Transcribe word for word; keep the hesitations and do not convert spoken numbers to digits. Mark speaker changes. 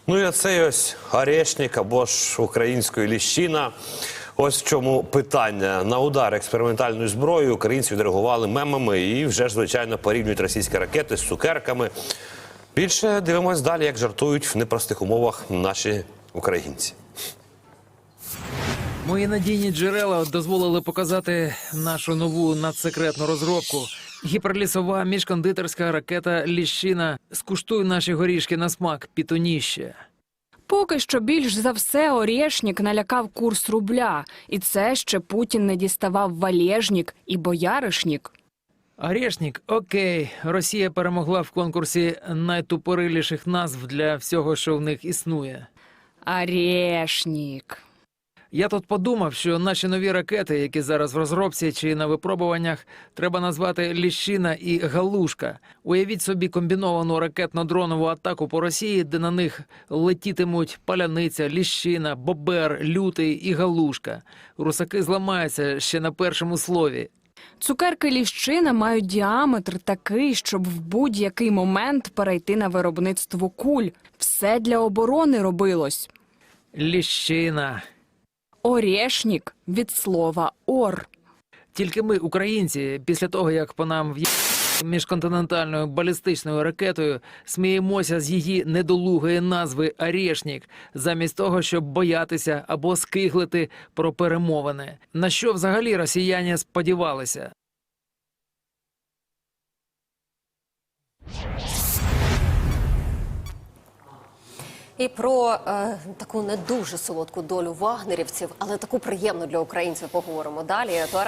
Speaker 1: Ну і оцей ось Орешник або ж українською Ліщина. Ось в чому питання. На удар експериментальною зброєю українці відреагували мемами і вже ж, звичайно, порівнюють російські ракети з цукерками. Більше дивимось далі, як жартують в непростих умовах наші українці.
Speaker 2: Мої надійні джерела дозволили показати нашу нову надсекретну розробку. Гіперлісова міжкондитерська ракета «Ліщина». Скуштуй наші горішки на смак, пітоніще.
Speaker 3: Поки що більш за все Орешник налякав курс рубля. І це ще Путін не діставав валежник і бояришник.
Speaker 2: Орешник – окей. Росія перемогла в конкурсі найтупориліших назв для всього, що в них існує.
Speaker 3: Орешник.
Speaker 2: Я тут подумав, що наші нові ракети, які зараз в розробці чи на випробуваннях, треба назвати «Ліщина» і «Галушка». Уявіть собі комбіновану ракетно-дронову атаку по Росії, де на них летітимуть паляниця, ліщина, бобер, лютий і галушка. Русаки зламаються ще на першому слові.
Speaker 3: Цукерки Ліщина мають діаметр такий, щоб в будь-який момент перейти на виробництво куль. Все для оборони робилось.
Speaker 2: Ліщина.
Speaker 3: Орешник від слова «ор».
Speaker 2: Тільки ми, українці, після того, як по нам в'їхали міжконтинентальною балістичною ракетою, сміємося з її недолугої назви «Орешник», замість того, щоб боятися або скиглити про перемовини. На що взагалі росіяни сподівалися?
Speaker 4: І про е, таку не дуже солодку долю вагнерівців, але таку приємну для українців поговоримо далі.